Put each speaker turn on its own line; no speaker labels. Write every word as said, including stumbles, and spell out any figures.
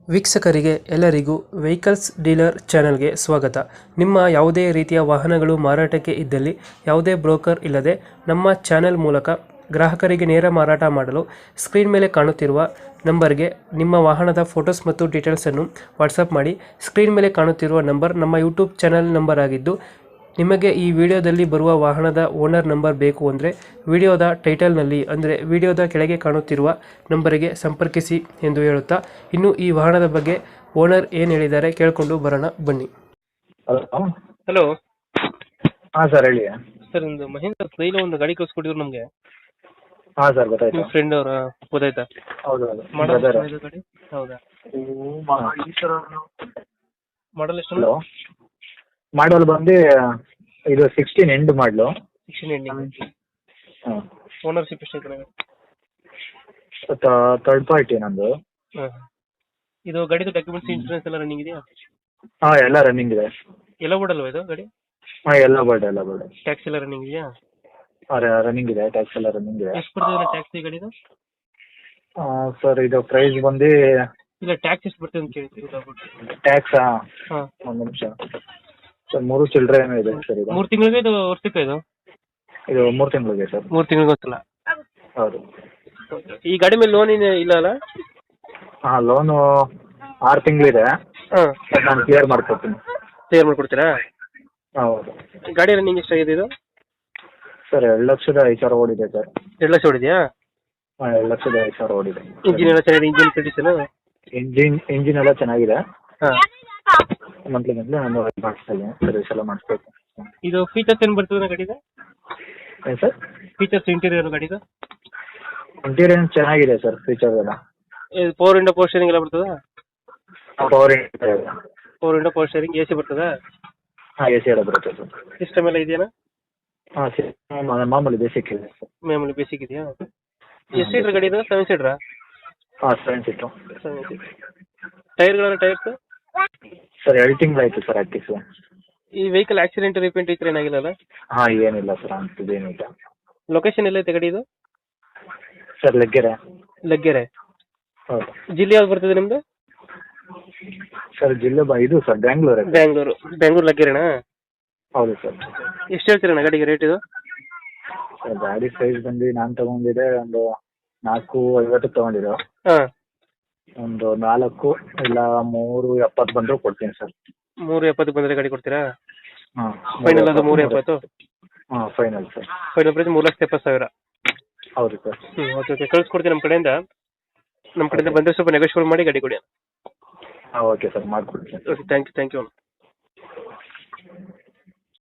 ವೀಕ್ಷಕರಿಗೆ ಎಲ್ಲರಿಗೂ vehicles dealer ಚಾನೆಲ್ಗೆ ಸ್ವಾಗತ. ನಿಮ್ಮ ಯಾವುದೇ ರೀತಿಯ ವಾಹನಗಳು ಮಾರಾಟಕ್ಕೆ ಇದ್ದಲ್ಲಿ ಯಾವುದೇ ಬ್ರೋಕರ್ ಇಲ್ಲದೆ ನಮ್ಮ ಚಾನೆಲ್ ಮೂಲಕ ಗ್ರಾಹಕರಿಗೆ ನೇರ ಮಾರಾಟ ಮಾಡಲು ಸ್ಕ್ರೀನ್ ಮೇಲೆ ಕಾಣುತ್ತಿರುವ ನಂಬರ್ಗೆ ನಿಮ್ಮ ವಾಹನದ ಫೋಟೋಸ್ ಮತ್ತು ಡೀಟೇಲ್ಸನ್ನು ವಾಟ್ಸಪ್ ಮಾಡಿ. ಸ್ಕ್ರೀನ್ ಮೇಲೆ ಕಾಣುತ್ತಿರುವ ನಂಬರ್ ನಮ್ಮ ಯೂಟ್ಯೂಬ್ ಚಾನೆಲ್ ನಂಬರ್ ಆಗಿದ್ದು, ನಿಮಗೆ ಈ ವಿಡಿಯೋದಲ್ಲಿ ಬರುವ ವಾಹನದ ಓನರ್ ನಂಬರ್ ಬೇಕು ಅಂದರೆ ವಿಡಿಯೋದ ಟೈಟಲ್ನಲ್ಲಿ ಅಂದರೆ ವಿಡಿಯೋದ ಕೆಳಗೆ ಕಾಣುತ್ತಿರುವ ನಂಬರಿಗೆ ಸಂಪರ್ಕಿಸಿ ಎಂದು ಹೇಳುತ್ತಾ, ಇನ್ನು ಈ ವಾಹನದ ಬಗ್ಗೆ ಓನರ್ ಏನು ಹೇಳಿದ್ದಾರೆ ಕೇಳಿಕೊಂಡು ಬರೋಣ ಬನ್ನಿ.
ಹಲೋ
ಹಲೋ
ಹಾಂ ಸರ್ ಹೇಳಿ.
ಸರ್, ಒಂದು ಮಹೇಂದ್ರ ಸ್ಟೈಲ್ ಒಂದು ಗಾಡಿ ಕಳಿಸ್ಕೊಟ್ಟಿದ್ರು ನಮಗೆ.
ಹಾಂ ಸರ್ ಗೊತ್ತಾಯ್ತು.
ನಿಮ್ಮ ಫ್ರೆಂಡ್ ಅವರ ಗೊತ್ತಾಯ್ತಾ?
ಹೌದು ಹೌದು
ಮಾಡಲ್
brother.
ಗಾಡಿ ಹೌದಾ?
ಹ್ಮ್, ಮಾ-
ಮಾಡಲ್ ಎಷ್ಟು?
ಹಲೋ ಮಾಡಲ್ ಬಂದು ಇದು ಸಿಕ್ಸ್ಟೀನ್ ಎಂಡ್ ಮಾಡಲು.
Sixteen ending.
ಹಾಂ
ಓನರ್ಶಿಪ್ ಎಷ್ಟೈತೆ ನನಗೆ?
ಥರ್ಡ್ ಪಾರ್ಟಿ ನಂದು.
ಹಾಂ, ಇದು ಗಾಡಿದು ಡಾಕ್ಯುಮೆಂಟ್ಸ್ ಇನ್ಶೂರೆನ್ಸ್ ಎಲ್ಲ ರನ್ನಿಂಗ್ ಇದೆಯಾ?
ಹಾಂ ಎಲ್ಲ ರನ್ನಿಂಗ್ ಇದೆ.
ಎಲ್ಲ ಓಡಲ್ವಾ ಇದು ಗಾಡಿ?
ಹಾಂ ಎಲ್ಲ ಬರ್ಡ್ ಎಲ್ಲ ಬರ್ಡ್
ಟ್ಯಾಕ್ಸ್ ಎಲ್ಲ ರನ್ನಿಂಗ್ ಇದೆಯಾ?
ಹಾಂ ರನ್ನಿಂಗ್ ಇದೆ, ಟ್ಯಾಕ್ಸ್ ಎಲ್ಲ ರನ್ನಿಂಗ್ ಇದೆ.
ಎಷ್ಟು ಬರ್ತದೆ ಟ್ಯಾಕ್ಸ್ ಈ ಗಾಡಿದು?
ಸರ್ ಇದು ಪ್ರೈಸ್ ಬಂದು
ಇಲ್ಲ, ಟ್ಯಾಕ್ಸ್ ಎಷ್ಟು ಬರ್ತದೆ ಅಂತ ಕೇಳ್ತೀವಿ.
ಟ್ಯಾಕ್ಸಾ
ಹಾಂ,
ಒಂದು ನಿಮಿಷ ಸರ್, ಮೂರು ಚಿಲ್ಲರೆ ಏನೋ ಇದೆ ಸರ್. ಇದು
ಮೂರು ತಿಂಗಳಿಗೆ ಇದು ವರ್ಷಕ್ಕೆ ಇದು
ಇದು ಮೂರು ತಿಂಗಳಿಗೆ ಸರ್.
ಮೂರು ತಿಂಗಳಿಗೆ ಗೊತ್ತಿಲ್ಲ.
ಹೌದು.
ಈ ಗಾಡಿ ಮೇಲೆ ಲೋನ್ ಇಲ್ಲ ಅಲ್ಲ?
ಹಾಂ ಲೋನು ಆರು ತಿಂಗಳಿದೆ.
ಹಾಂ,
ನಾನು ಕ್ಲಿಯರ್ ಮಾಡ್ಕೊಡ್ತೀನಿ.
ಕ್ಲಿಯರ್ ಮಾಡ್ಕೊಡ್ತೀರಾ?
ಹೌದು.
ಗಾಡಿ ರನ್ನಿಂಗ್ ಎಷ್ಟಾಗಿದೆ ಇದು?
ಸರ್ ಎರಡು ಲಕ್ಷದ ಐದು ಸಾವಿರ ಓಡಿದೆ ಸರ್.
ಎರಡು ಲಕ್ಷ ಹೊಡಿದೆಯಾ?
ಹಾಂ ಎರಡು ಲಕ್ಷದ ಐದು ಸಾವಿರ ಓಡಿದೆ.
ಇಂಜಿನ್ ಎಲ್ಲ ಚೆನ್ನಾಗಿದೆ? Engine condition?
ಇಂಜಿನ್ ಇಂಜಿನ್ ಎಲ್ಲ ಚೆನ್ನಾಗಿದೆ.
ಹಾಂ,
ಮಂತ್ಲಿ ಮಂತ್ಲಿ ನಾನು ಮಾಡಿಸ್ತಾ ಇದ್ದೀನಿ, ಸರ್ವಿಸ್ ಎಲ್ಲ ಮಾಡಿಸ್ಬೇಕು.
ಇದು ಫೀಚರ್ಸ್ ಏನು ಬರ್ತದೆ ಗಾಡಿದು?
ಏನು ಸರ್?
ಫೀಚರ್ಸ್ ಇಂಟೀರಿಯರ್ ಗಾಡಿದು?
ಇಂಟೀರಿಯರ್ ಚೆನ್ನಾಗಿದೆ ಸರ್, ಫೀಚರ್ ಎಲ್ಲ.
ಪವರ್ ವಿಂಡೋ ಪವರ್ ಸ್ಟೇರಿಂಗ್ ಎಲ್ಲ ಬರ್ತದಾ?
Power
power window power steering, A C ಬರ್ತದಾ?
ಹಾಂ ಎ ಸಿ ಎಲ್ಲ ಬರುತ್ತೆ ಸರ್.
ಸಿಸ್ಟಮ್ ಎಲ್ಲ ಇದೆಯಾ?
ಹಾಂ ಸರಿ, ಮಾಮೂಲಿ ಬೇಸಿಕ್ ಇದೆ ಸರ್.
ಮಾಮೂಲಿ ಬೇಸಿಕ್ ಇದೆಯಾ? ಎಷ್ಟು ಸೀಟ್ರ್ ಗಾಡಿ ಇದು? ಸೆವೆನ್ ಸೀಟ್ರಾ?
ಹಾಂ ಸೆವೆನ್ ಸೀಟು.
Seven seat. ಟೈರ್ಗಳೆಲ್ಲ ಟೈರ್ಸ್?
ಸರ್ ಎರಡು ತಿಂಗಳಾಯ್ತು ಸರ್ ಹಾಕಿಸಿ.
ಈ ವೆಹಿಕಲ್ ಆಕ್ಸಿಡೆಂಟ್ ರಿಪೇಂಟ್ ಇದ್ರೆ ಏನಾಗಿಲ್ಲ?
ಹಾಂ ಏನಿಲ್ಲ ಸರ್, ಅಂಥದ್ದೇನಿಲ್ಲ.
ಲೊಕೇಶನ್ ಎಲ್ಲೈತೆ ಗಾಡಿ ಇದು?
ಸರ್ ಲಗ್ಗೆರೆ.
ಲಗ್ಗೆರೆ.
ಹೌದು.
ಜಿಲ್ಲೆ ಯಾವ್ದು ಬರ್ತದೆ ನಿಮ್ಮದು?
ಸರ್ ಜಿಲ್ಲೆ ಬ ಇದು ಸರ್ ಬ್ಯಾಂಗ್ಳೂರು.
ಬ್ಯಾಂಗ್ಳೂರು. ಬ್ಯಾಂಗ್ಳೂರು ಲಗ್ಗೆರೆನಾ?
ಹೌದು ಸರ್.
ಎಷ್ಟು ಹೇಳ್ತೀರಣ್ಣ ಗಾಡಿಗೆ ರೇಟ್ ಇದು?
ಸರ್ ಗಾಡಿ ಪ್ರೈಸ್ ಬಂದು ನಾನು ತಗೊಂಡಿದ್ದೆ ಒಂದು ನಾಲ್ಕು ಐವತ್ತು ತಗೊಂಡಿದ್ದು.
ಹಾಂ,
ಒಂದು ನಾಲ್ಕು ಇಲ್ಲ ಮೂರು ಎಪ್ಪತ್ತು ಬಂದರೂ ಕೊಡ್ತೀನಿ ಸರ್.
ಮೂರು ಎಪ್ಪತ್ತು ಬಂದರೆ ಗಾಡಿ ಕೊಡ್ತೀರಾ?
ಹಾಂ
ಫೈನಲ್ ಅದು ಮೂರು ಎಪ್ಪತ್ತು?
ಹಾಂ ಫೈನಲ್ ಸರ್.
ಫೈನಲ್ ಪ್ರೈಸ್ ಮೂರು ಲಕ್ಷದ ಎಪ್ಪತ್ತು ಸಾವಿರ.
ಹೌದು ಸರ್.
ಹ್ಞೂ ಓಕೆ ಓಕೆ ಕಳಿಸ್ಕೊಡ್ತೀನಿ ನಮ್ಮ ಕಡೆಯಿಂದ. ನಮ್ಮ ಕಡೆಯಿಂದ ಬಂದರೆ ಸ್ವಲ್ಪ ನೆಗೋಷಿಯೇಟ್ ಮಾಡಿ ಗಾಡಿ ಕೊಡಿ.
ಹಾಂ ಓಕೆ ಸರ್, ಮಾಡಿಕೊಡ್ತೀನಿ.
Okay, thank you thank you.